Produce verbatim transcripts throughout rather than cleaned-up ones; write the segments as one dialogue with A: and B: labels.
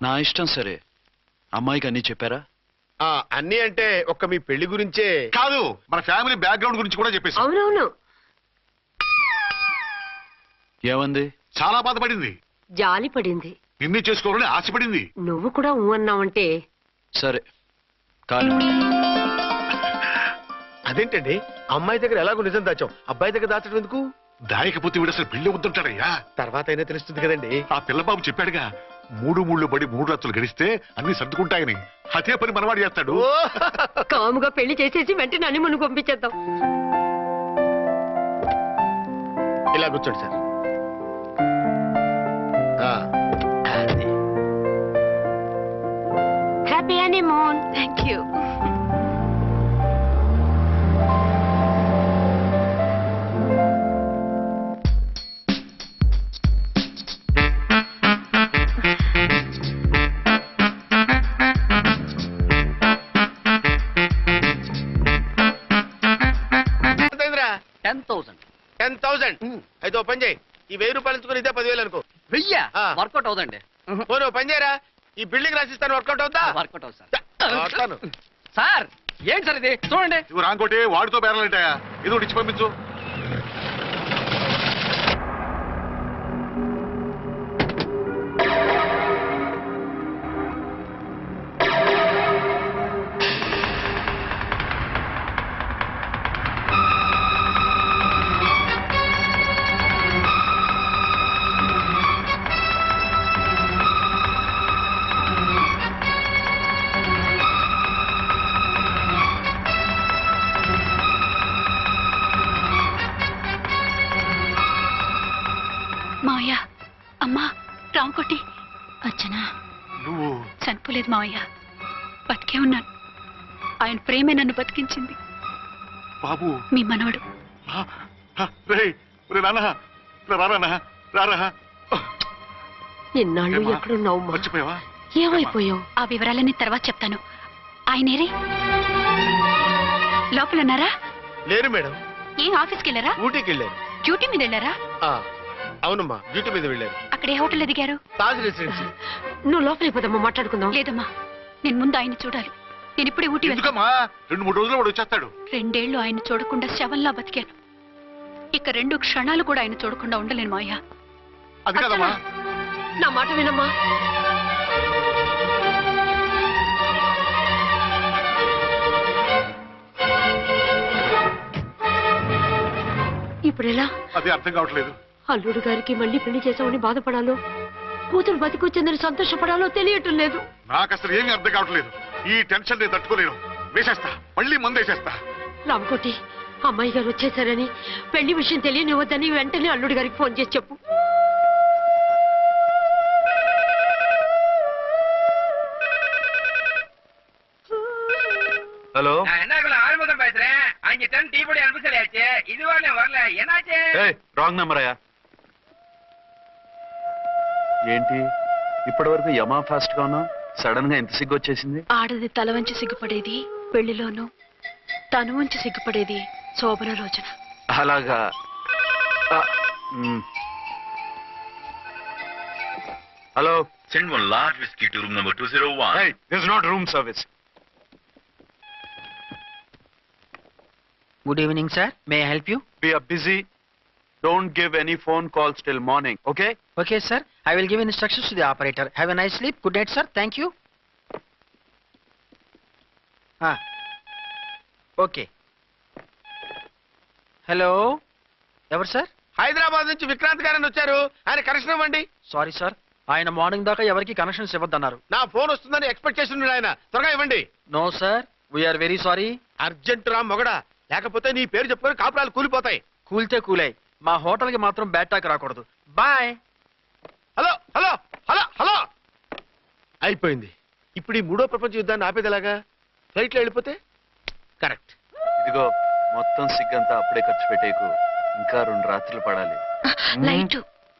A: నా ఇష్టం సరే. అమ్మాయికి అన్నీ చెప్పారా?
B: అన్నీ అంటే ఒక్క మీ పెళ్లి గురించే
C: కాదు, మన ఫ్యామిలీ బ్యాక్గ్రౌండ్ గురించి కూడా చెప్పేసి.
D: అవునవును.
A: ఏమంది?
C: చాలా బాధపడింది,
D: జాలి పడింది,
C: నిన్నే చేసుకోవాలని ఆశపడింది.
D: నువ్వు కూడా ఊ అన్నావంటే.
A: సరే కానీ
B: అదేంటండి, అమ్మాయి దగ్గర ఎలాగో నిజం దాచాం, అబ్బాయి దగ్గర దాచడం ఎందుకు?
C: దాయకపోతే వీడు అసలు పెళ్లి వద్దంటాడయ్యా.
B: తర్వాత అయినా తెలుస్తుంది కదండి.
C: ఆ పిల్లబాబు చెప్పాడుగా, మూడు మూడు పడి మూడు రత్తులు గడిస్తే అన్ని సర్దుకుంటాయని. అదే పని మనవాడు చేస్తాడు.
D: కాముగా పెళ్లి చేసేసి వెంటనే అన్ని మనం పంపించేద్దాం.
B: ఇలా కూర్చోండి sir.
D: Happy honeymoon. Thank you.
B: Ten thousand ten thousand అయితే ఓ పని చేయి, ఈ వెయ్యి రూపాయలు ఇచ్చుకుని ఇదే పదివేలు అనుకో.
E: వెయ్య వర్కౌట్ అవుదండి.
B: పోను పని చేయరా, ఈ బిల్డింగ్ రాసిస్తాను, వర్కౌట్ అవుతా?
E: వర్కౌట్ అవుతుంది సార్. ఏంటి సార్ ఇది, చూడండి.
C: ఇవి రాంకోటి వాడితో బేరాలంటాయా? ఏదో ఇచ్చి పంపించు.
F: మావయ్య, అమ్మా, రాంకోటి. అచ్చనా,
C: నువ్వు
F: చనిపోలేదు మావయ్య, బతికే ఉన్నాను. ఆయన ప్రేమే నన్ను బతికించింది.
C: బాబు
F: మీ మనవడు.
D: ఎన్నాళ్ళు ఎక్కడున్నావు?
C: మర్చిపోయావా?
D: ఏమైపోయావు?
F: ఆ వివరాలన్నీ తర్వాత చెప్తాను. ఆయనేరే లోపల ఉన్నారా?
B: లేరు మేడం.
F: ఏ ఆఫీస్కి వెళ్ళారా?
B: ఊటీకి వెళ్ళారు.
F: డ్యూటీ మీద వెళ్ళారా?
B: అవునమ్మా, డ్యూటీ మీద వెళ్ళారు.
F: అక్కడ ఏ హోటల్ ఎదిగారు?
B: తాజ్ రెసిడెన్సీ.
D: నువ్వు లోపలికి పోదమ్మా, మాట్లాడుకుందాం.
F: లేదమ్మా, నేను ముందు ఆయన్ని చూడాలి. నేను ఇప్పుడే ఊటీ
C: ఎందుకమ్మా? రెండు మూడు రోజులు వాడు వచ్చేస్తాడు.
F: రెండేళ్లు ఆయన చూడకుండా శవంలా బతికాను. ఇక రెండు క్షణాలు కూడా ఆయన చూడకుండా ఉండలేను మావయ్య.
C: అది కాదమ్మా.
D: నా మాట వినమ్మా. ఇప్పుడు ఎలా?
C: అది అర్థం కావట్లేదు.
D: అల్లుడు గారికి మళ్ళీ పెళ్లి చేసామని బాధపడాలో, కూతురు బతికొచ్చిందని సంతోషపడాలో తెలియటం లేదు.
C: నాకు అసలు ఏమీ అర్థం కావట్లేదు. ఈ టెన్షన్ నేను తట్టుకోలేను. వేసేస్తా, మళ్ళీ మందేసేస్తా.
D: రామకోటి, అమ్మాయి గారు వచ్చేసారని, పెళ్లి విషయం తెలియనివ్వద్దని వెంటనే అల్లుడు గారికి ఫోన్ చేసి చెప్పు.
A: ஹலோ,
E: ஆறுமுகம் பேசுறேன். அஞ்சு டன் டீ பொடி அனுப்ப சொல்லியாச்சு. இது வரல வரல என்னாச்சு?
A: ఏయ్, రాంగ్ నెంబర్ అయ్యా. ఏంటి ఇప్పటి వరకు యమా ఫాస్ట్ గా ఉన్నావు, సడన్ గా ఎంత సిగ్గు వచ్చేసింది?
F: ఆడది తల వంచి సిగ్గుపడేది పెళ్లిలోనూ, తను వంచి సిగ్గుపడేది శోభన రోజున.
A: అలాగా. Hello,
G: Send one large whiskey to room number two oh one.
A: hey, this is not room service.
E: Good evening, sir. May I help you?
A: We are busy. Don't give any phone calls till morning, okay?
E: Okay, sir. I will give instructions to the operator. Have a nice sleep. Good night, sir. Thank you. Ah. Okay. Hello. ఎవరు sir?
B: Hyderabad నుంచి విక్రాంత్ గారని వచ్చారు. ఆయన connection ఇవ్వండి.
E: Sorry sir, ఆయన morning దాకా ఎవరికి connections ఇవ్వద్దన్నారు.
B: నా ఫోన్ వస్తుందని ఎక్స్పెక్ట్ చేస్తున్నాడు ఆయన. త్వరగా ఇవ్వండి.
E: No sir, we are very sorry.
B: Urgent రా మొగడా, లేకపోతే నీ పేరు చెప్పుకొని కాపురాలు కూలిపోతాయి.
E: కూల్తే కూలాయి, మా హోటల్ కి మాత్రం బ్యాడ్ టాక్ రాకూడదు. Bye.
B: Hello hello hello hello అయిపోయింది. ఇప్పుడు ఈ మూడో ప్రపంచ యుద్ధాన్ని ఆపేదిలాగా? ఫ్లైట్లో వెళ్ళిపోతే కరెక్ట్.
A: ఇదిగో మొత్తం సిగ్గంతా అప్పుడే ఖర్చు పెట్టేకు, ఇంకా రెండు రాత్రులు పడాలి.
F: లైట్.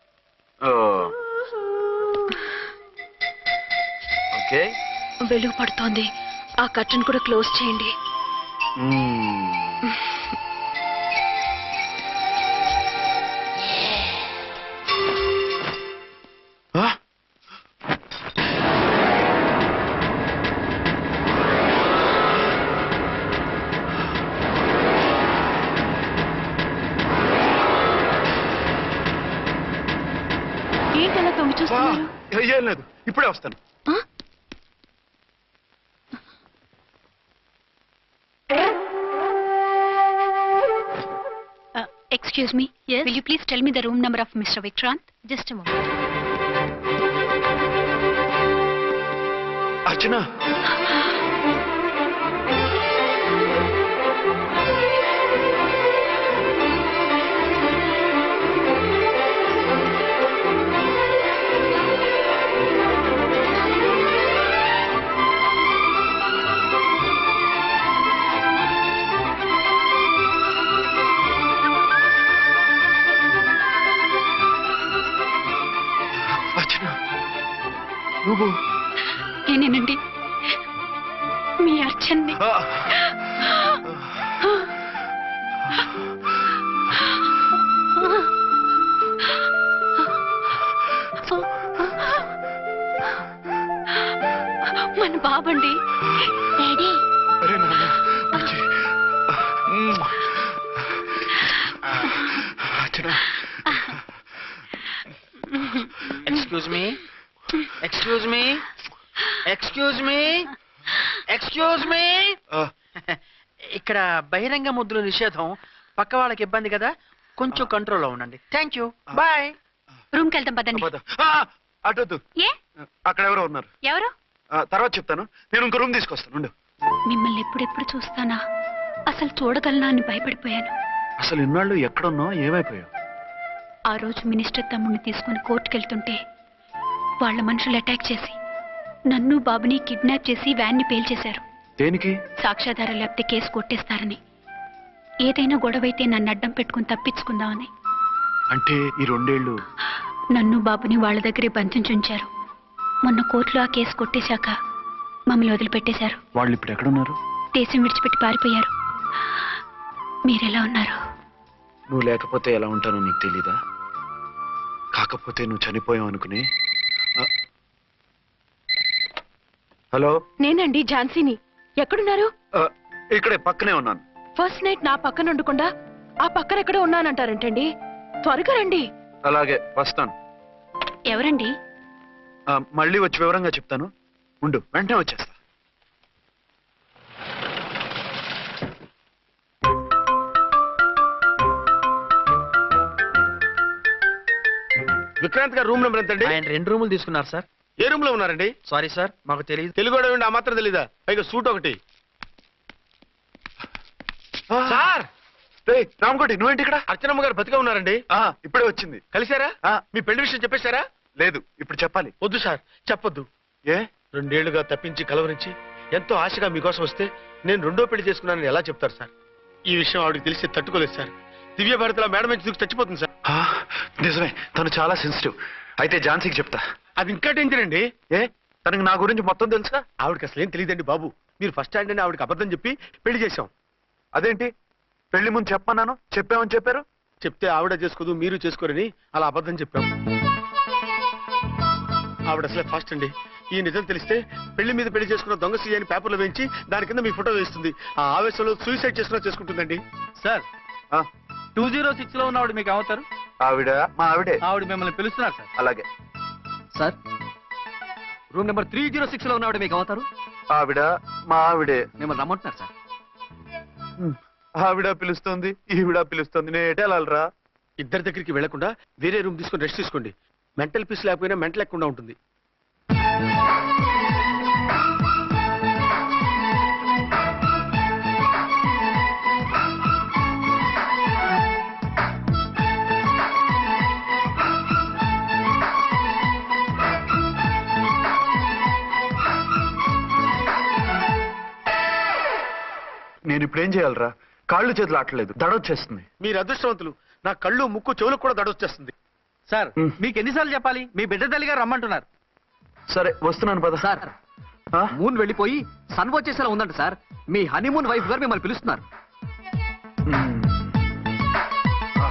A: ఓకే,
F: వెలుగు పడుతోంది. ఆ కర్టన్ కూడా క్లోజ్ చేయండి.
A: ఏం లేదు, ఇప్పుడే వస్తాను.
F: Excuse me, will you please tell me the room number of mister Vikrant?
D: Just moment.
A: Archana, Archana నువ్వు
F: నేనేనండి, మీ అర్చన్ని.
A: ఆ,
F: మన బాబండి. డాడీ,
A: అరే నాన్న, వచ్చి. మ్మ్. Archana,
H: excuse me excuse me excuse me excuse me
A: ఆ,
H: ఇక్కడ బహిరంగ ముద్దుల నిషేధం, పక్క వాళ్ళకి ఇబ్బంది కదా, కొంచెం కంట్రోల్లో ఉండండి. Thank you, bye.
F: రూమ్కి వెళ్తాం పదండి.
A: పద. ఆ, అటొద్దు,
F: ఏ
A: అక్కడ ఎవరో ఉన్నారు.
F: ఎవరు?
A: ఆ, తర్వాత చెప్తాను. నేను ఇంకో రూమ్ తీసుకొస్తాను, ఉండు.
F: మిమ్మల్ని ఎప్పుడెప్పుడు చూస్తానా, అసలు చూడగలనా అని భయపడిపోయాను.
A: అసలు ఇన్నాళ్ళు ఎక్కడున్నావు, ఏమైపోయావు?
F: ఆ రోజు మినిస్టర్ తమ్ముడిని తీసుకుని కోర్టుకెళ్తుంటే వాళ్ళ మనుషులు అటాక్ చేసి నన్ను బాబుని కిడ్నాప్ చేసి వ్యాన్ని పేల్చేశారు.
A: దేనికి?
F: సాక్ష్యాధారం లేకపోతే కేసు కొట్టేస్తారని. ఏదైనా గొడవైతే నన్ను అడ్డం పెట్టుకుని తప్పించుకుందామని.
A: అంటే ఈ రెండేళ్లు
F: నన్ను బాబుని వాళ్ళ దగ్గరే బంధించుంచారు. మొన్న కోర్టులో ఆ కేసు కొట్టేశాక మమ్మల్ని వదిలిపెట్టేశారు.
A: వాళ్ళు ఇప్పుడు ఎక్కడున్నారు?
F: దేశం విడిచిపెట్టి పారిపోయారు. మీరెలా ఉన్నారు?
A: నువ్వు లేకపోతే ఎలా ఉంటానో నీకు తెలీదా? కాకపోతే నువ్వు చనిపోయావు అనుకుని. ఆ, హలో,
I: నేనండి ఝాన్సీని. ఎక్కడున్నారు?
A: ఆ, ఇక్కడే పక్కనే ఉన్నాను.
I: ఫస్ట్ నైట్ నా పక్కన ఉండకుండా ఆ పక్కన ఎక్కడ ఉన్నానంటారంటండి. త్వరగా రండి.
A: అలాగే వస్తాను.
F: ఎవరండి?
A: ఆ, మళ్ళీ వచ్చి వివరంగా చెప్తాను, ఉండు, వెంటనే వచ్చేస్తా.
B: విక్రాంత్ గారు రూమ్ నెంబర్ ఎంతండి?
H: ఆయన రెండు రూములు తీసుకున్నారు సార్.
B: ఏ రూమ్ లో ఉన్నారండి?
H: సారీ సార్, మాకు తెలియదు.
B: తెలుగు ఆ మాత్రం తెలీదా? పైగా సూట్ ఒకటి.
A: ఆ,
B: సార్,
A: రేయ్, రామకోటి, నువ్వేంటి ఇక్కడ?
B: అర్చనమ్మ గారు బతిగా ఉన్నారండి.
A: ఆ, ఇప్పుడే వచ్చింది.
B: కలిసారా?
A: ఆ,
B: మీ పెళ్లి విషయం చెప్పేశారా?
A: లేదు, ఇప్పుడు చెప్పాలి.
B: వద్దు సార్, చెప్పొద్దు.
A: ఏ?
B: రెండేళ్లుగా తప్పించి కలవరించి ఎంతో ఆశగా మీకోసం వస్తే నేను రెండో పెళ్లి చేసుకున్నానని ఎలా చెప్తారు సార్? ఈ విషయం ఆవిడకి తెలిసి తట్టుకోలేదు సార్. దివ్య భారతిలో మేడం నుంచి దూకి చచ్చిపోతుంది సార్.
A: ఆ, నిజమే, తను చాలా సెన్సిటివ్. అయితే ఝాన్సీకి చెప్తా.
B: అది ఇంకా డేంజర్ అండి.
A: ఏ, తనకి నా గురించి మొత్తం తెలుసా?
B: ఆవిడకి అసలు ఏం తెలియదండి బాబు. మీరు ఫస్ట్ హ్యాండ్ అని ఆవిడకి అబద్ధం చెప్పి పెళ్లి చేశాం.
A: అదేంటి, పెళ్లి ముందు చెప్పన్నాను, చెప్పామని చెప్పారు.
B: చెప్తే ఆవిడ చేసుకోదు, మీరు చేసుకోరని అలా అబద్ధం చెప్పాం. ఆవిడ అసలే ఫాస్ట్ అండి. ఈ నిజం తెలిస్తే పెళ్లి మీద పెళ్లి చేసుకున్న దొంగ సీ అని పేపర్లో వేయించి దాని కింద మీ ఫోటో వేస్తుంది. ఆ ఆవేశంలో సూసైడ్ చేసుకున్నా చేసుకుంటుందండి.
H: సార్,
A: ఆ,
H: టూ జీరో సిక్స్ లో ఉన్న ఆవిడ మీకు అవుతారు.
A: ఆవిడ మా ఆవిడే.
H: ఆవిడ మిమ్మల్ని పిలుస్తున్నారు సార్.
A: అలాగే.
H: Sir, room number three zero six లో ఉన్న ఆవిడ మీకు అవుతారు.
A: ఆవిడ మా ఆవిడే.
H: మిమ్మల్ని రమ్మంటున్నారు సార్.
A: హ్మ్. ఆవిడ పిలుస్తుంది, ఈవిడ పిలుస్తుంది, నేను ఎటే వెళ్ళాలరా?
B: ఇద్దరి దగ్గరికి వెళ్లకుండా వేరే రూమ్ తీసుకొని రెస్ట్ తీసుకోండి. మెంటల్ పీస్ లేకపోయినా మెంటల్ లేకుండా ఉంటుంది.
A: నేను ఇప్పుడు ఏం చేయాలరా? కాళ్ళు చేతులు ఆటలేదు, దడొచ్చేస్తుంది.
B: మీరు అదృష్టవంతులు. నా కళ్ళు ముక్కు చెవులకు కూడా దడొచ్చేస్తుంది.
H: సార్,
A: మ్.
H: మీకు ఎన్నిసార్లు చెప్పాలి? మీ బిడ్డ తల్లి గారు రమ్మంటున్నారు.
A: సరే, వస్తున్నాను పద.
H: సార్,
A: ఆ?
H: మూన్ వెళ్ళిపోయి సన్ వచ్చేసేలా ఉందంట సార్. మీ హనీమూన్ వైఫ్ గారు మిమ్మల్ని పిలుస్తున్నారు.
A: హ్మ్. ఆ,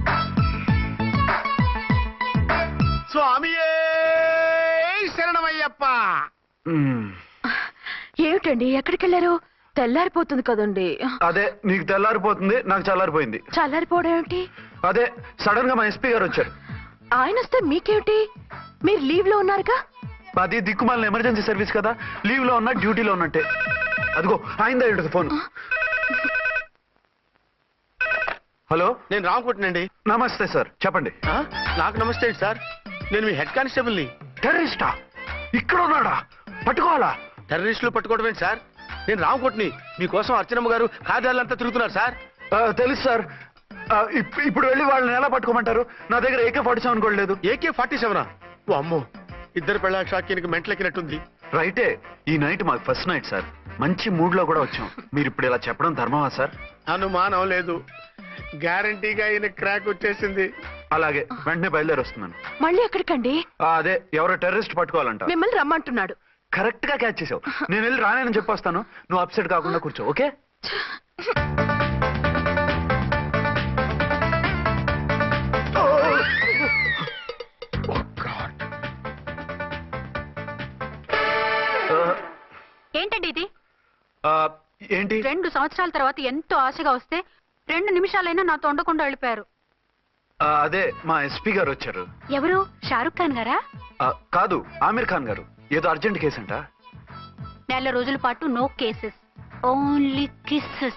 B: స్వామియే శరణమయ్యప్ప.
A: హ్మ్.
I: ఏమిటండి, ఎక్కడికి వెళ్ళారు? తెల్లారిపోతుంది కదండి.
A: అదే, నీకు తెల్లారిపోతుంది, నాకు చల్లారిపోయింది.
I: చల్లారిపోవడం ఏమిటి?
A: అదే, సడన్ గా మా ఎస్పీ గారు వచ్చారు.
I: ఆయన వస్తే మీకేమిటి? మీరు లీవ్ లో ఉన్నారుగా?
A: అది దిక్కుమాలిన ఎమర్జెన్సీ సర్వీస్ కదా, లీవ్ లో ఉన్నా డ్యూటీలో ఉన్నట్టే. అదిగో ఆయిందా ఇటు ఫోన్. హలో,
B: నేను రామకుంటునండి.
A: నమస్తే సార్, చెప్పండి.
B: ఆ? నాకు నమస్తే అండి సార్, నేను మీ హెడ్ కానిస్టేబుల్ని.
A: టెర్రరిస్టా? ఇక్కడ ఉన్నాడా? పట్టుకోవాలా?
B: టెర్రరిస్టులు పట్టుకోవడం ఏంటి సార్? నేను రామకుంటుని. మీకోసం అర్చనమ్మ గారు కార్యాలంతా తిరుగుతున్నారు సార్.
A: ఆ, తెలుసు సార్. ఆ, ఇప్- ఇప్పుడు వెళ్ళి వాళ్ళని ఎలా పట్టుకోమంటారు? నా దగ్గర ఏకే ఫార్టీ సెవెన్ కూడా లేదు.
B: AK forty సెవెనా? ఓ అమ్మో, ఇద్దరు పెళ్ళ షాకీనికి మెంటలెక్కినట్టుంది.
A: రైటే, ఈ నైట్ మాకు ఫస్ట్ నైట్ సార్. మంచి మూడ్ లో కూడా వచ్చాం. మీరు ఇప్పుడు ఇలా చెప్పడం ధర్మమా సార్?
B: అనుమానం లేదు, గ్యారంటీగా ఈయన క్రాక్ వచ్చేసింది.
A: అలాగే, వెంటనే బయలుదేరి వస్తున్నాను.
I: మళ్ళీ ఎక్కడికండి?
A: ఆ, అదే ఎవరో టెర్రరిస్ట్ పట్టుకోవాలంట.
I: మిమ్మల్ని రమ్మంటున్నాడు.
A: కరెక్ట్ గా క్యాచ్ చేసావు. నేను వెళ్ళి రానని చెప్పొస్తాను, నువ్వు అప్సెట్ కాకుండా కూర్చో, ఓకే?
F: ఏంటండి ఇది?
A: ఆ, ఏంటి?
F: రెండు సంవత్సరాల తర్వాత ఎంతో ఆశగా వస్తే రెండు నిమిషాలైనా నాతో ఉండకుండా వెళ్ళిపోయారు.
A: ఆ, అదే మా ఎస్పీ గారు వచ్చారు.
F: ఎవరు? షారుఖ్ ఖాన్ గారా?
A: ఆ, కాదు, ఆమీర్ ఖాన్ గారు. ఏదో అర్జెంట్ కేసు అంట.
F: నెల రోజుల పాటు నో కేసెస్, ఓన్లీ కిస్సెస్.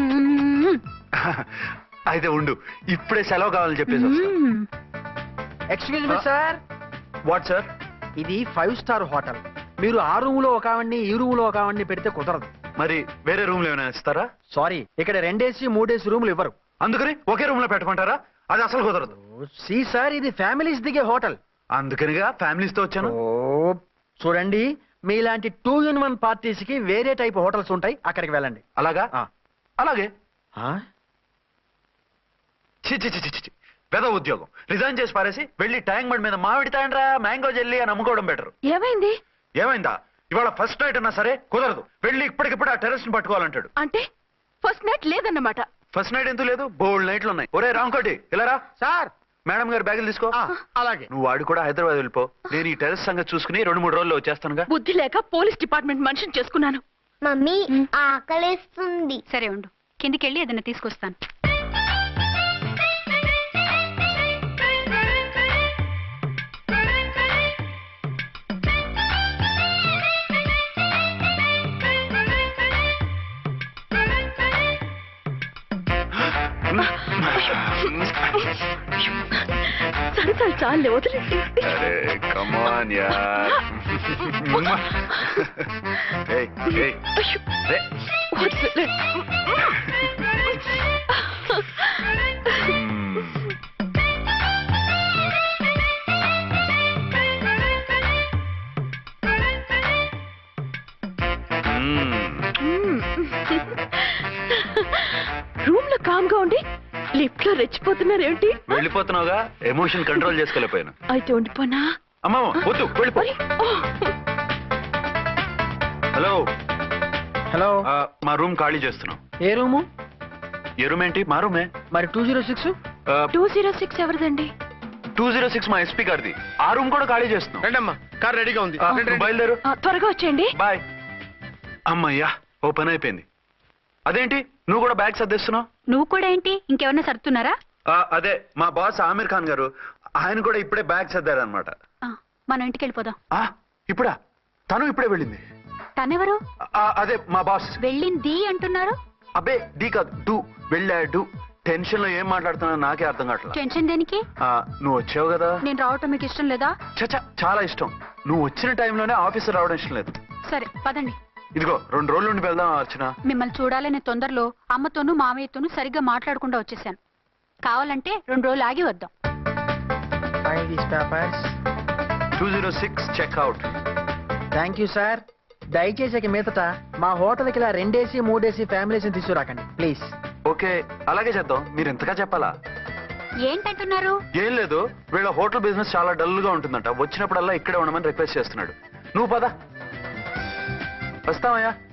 A: అయితే ఉండు, ఇప్పుడే సెలవు కావాలని చెప్పేసి
H: excuse me sir,
A: what sir?
H: ఇది ఫైవ్ స్టార్ హోటల్. మీరు ఆ రూమ్ లో ఒక ఆవిడ్ని, ఈ రూమ్ లో ఒక ఆవిడ్ని పెడితే కుదరదు.
A: మరి వేరే రూమ్ లో ఏమైనా ఇస్తారా?
H: సారీ, ఇక్కడ రెండేసి మూడేసి రూములు ఇవ్వరు.
A: అందుకని ఒకే రూమ్ లో పెట్టమంటారా? అది అసలు కుదరదు.
H: సి సార్, ఇది ఫ్యామిలీస్ దిగే హోటల్.
A: అందుకనిగా ఫ్యామిలీస్ తో వచ్చాను.
H: ఓ చూడండి, మీలాంటి టూ ఇన్ వన్ పార్టీస్ కి వేరే టైప్ హోటల్స్ ఉంటాయి, అక్కడికి వెళ్ళండి.
A: అలాగా?
H: ఆ.
A: అలాగే.
H: ఆ?
A: చి చి చి చి చి. పెద్ద ఉద్యోగం రిజైన్ చేసి పారేసి వెళ్ళి ట్యాంక్ బండ్ మీద మామిడి తాండ్రా మ్యాంగో జెల్లీ అని అమ్ముకోవడం బెటర్.
I: ఏమైంది?
A: ఏమైందా? ఇవాళ ఫస్ట్ నైట్ అన్నా సరే కుదరదు. వెళ్ళి ఇప్పటికిప్పుడు ఆ టెర్రరిస్ట్ ని పట్టుకోవాలంటాడు.
I: అంటే ఫస్ట్ నైట్ లేదన్నమాట.
A: ఫస్ట్ నైట్ ఎందుకు లేదు? బోల్డ్ నైట్లు ఉన్నాయి. ఒరే రాంకోటి, ఇలా రా.
B: సార్,
A: మేడం గారు బ్యాగులు తీసుకో.
B: ఆ, అలాగే.
A: నువ్వు వాడు కూడా హైదరాబాద్ వెళ్ళిపో. నేను ఈ టెర్రరిస్ట్ సంగతి చూసుకుని రెండు మూడు రోజుల్లో వచ్చేస్తానుగా.
I: బుద్ధి లేక పోలీస్ డిపార్ట్మెంట్ మనిషిని చేసుకున్నాను.
J: మమ్మీ ఆకలేస్తుంది.
F: సరే ఉండు, కిందికి వెళ్ళి ఏదైనా తీసుకొస్తాను.
I: సరే సరే చాలే, వదిలేసి.
A: అరే కమాన్ యార్. ఏయ్ ఏయ్
I: అయ్యో,
A: రే.
I: వదిలే. రూమ్ లో కామ్ గా ఉండి లిఫ్ట్ లో రెచ్చిపోతున్నారు ఏంటి?
A: వెళ్ళిపోతున్నావుగా, ఎమోషన్ కంట్రోల్ చేసుకోలేకపోయాను.
I: అయితే ఉండిపోనా?
A: అమ్మా వద్దు, వెళ్ళిపో.
I: మరి, ఓ.
A: హలో,
H: హలో,
A: ఆ, మా రూమ్ ఖాళీ చేస్తున్నాం.
H: ఏ రూము?
A: ఏ రూమ్ ఏంటి? మా రూమే.
H: మరి two zero six
I: two zero six ఎవరిదండి?
A: టూ జీరో సిక్స్ మా ఎస్పీ గారిది. ఆ రూమ్ కూడా ఖాళీ చేస్తున్నాం.
B: రండమ్మా, కార్ రెడీగా ఉంది.
A: ఆ,
B: రండి,
A: నువ్వు
B: రండి.
A: బయలుదేరు.
I: ఆ, త్వరగా వచ్చేయండి.
A: బాయ్. అమ్మయ్యా, ఓ పని అయిపోయింది. అదేంటి నువ్వు కూడా బ్యాగ్ సర్దేస్తున్నావు?
F: నువ్వు కూడా ఏంటి, ఇంకెవరన్నా సర్దుతున్నారా?
A: ఆ, అదే మా బాస్ ఆమీర్ ఖాన్ గారు, ఆయన కూడా ఇప్పుడే బ్యాగ్ సర్దారనమాట.
F: ఆ, మనం ఇంటికి వెళ్ళిపోదాం.
A: ఇప్పుడా? తను ఇప్పుడే వెళ్ళింది.
F: తనెవరు?
A: ఆ, అదే మా బాస్.
F: వెళ్ళింది అంటున్నారు.
A: అబ్బే డీ కాదు, డూ. వెళ్ళాడు. టెన్షన్ లో ఏం మాట్లాడుతున్నా నాకే అర్థం కావట్లేదు.
F: టెన్షన్ దేనికి?
A: నువ్వు వచ్చావు కదా.
F: నేను రావటం మీకు ఇష్టం లేదా?
A: చచ్చా, చాలా ఇష్టం. నువ్వు వచ్చిన టైంలోనే ఆఫీసర్ రావడం ఇష్టం లేదు.
F: సరే పదండి.
A: ఇదిగో రెండు రోజుల నుండి వెళ్దాం అర్చన.
F: మిమ్మల్ని చూడాలనే తొందరలో అమ్మతోనూ మామయ్యతోనూ సరిగ్గా మాట్లాడకుండా వచ్చేసాను. కావాలంటే రెండు రోజులు ఆగి వద్దాం.
A: Two zero six checkout.
H: Thank you sir. దయచేసి ఇక మీదట మా హోటల్కి ఇలా రెండేసి మూడేసి ఫ్యామిలీస్ తీసుకురాకండి ప్లీజ్.
A: ఓకే, అలాగే చేద్దాం. మీరు ఎంతగా చెప్పాలా?
F: ఏంటంటున్నారు?
A: ఏం లేదు, వీళ్ళ హోటల్ బిజినెస్ చాలా డల్ గా ఉంటుందంట. వచ్చినప్పుడల్లా ఇక్కడే ఉండమని రిక్వెస్ట్ చేస్తున్నాడు. నువ్వు పద. వస్తావయ్యా.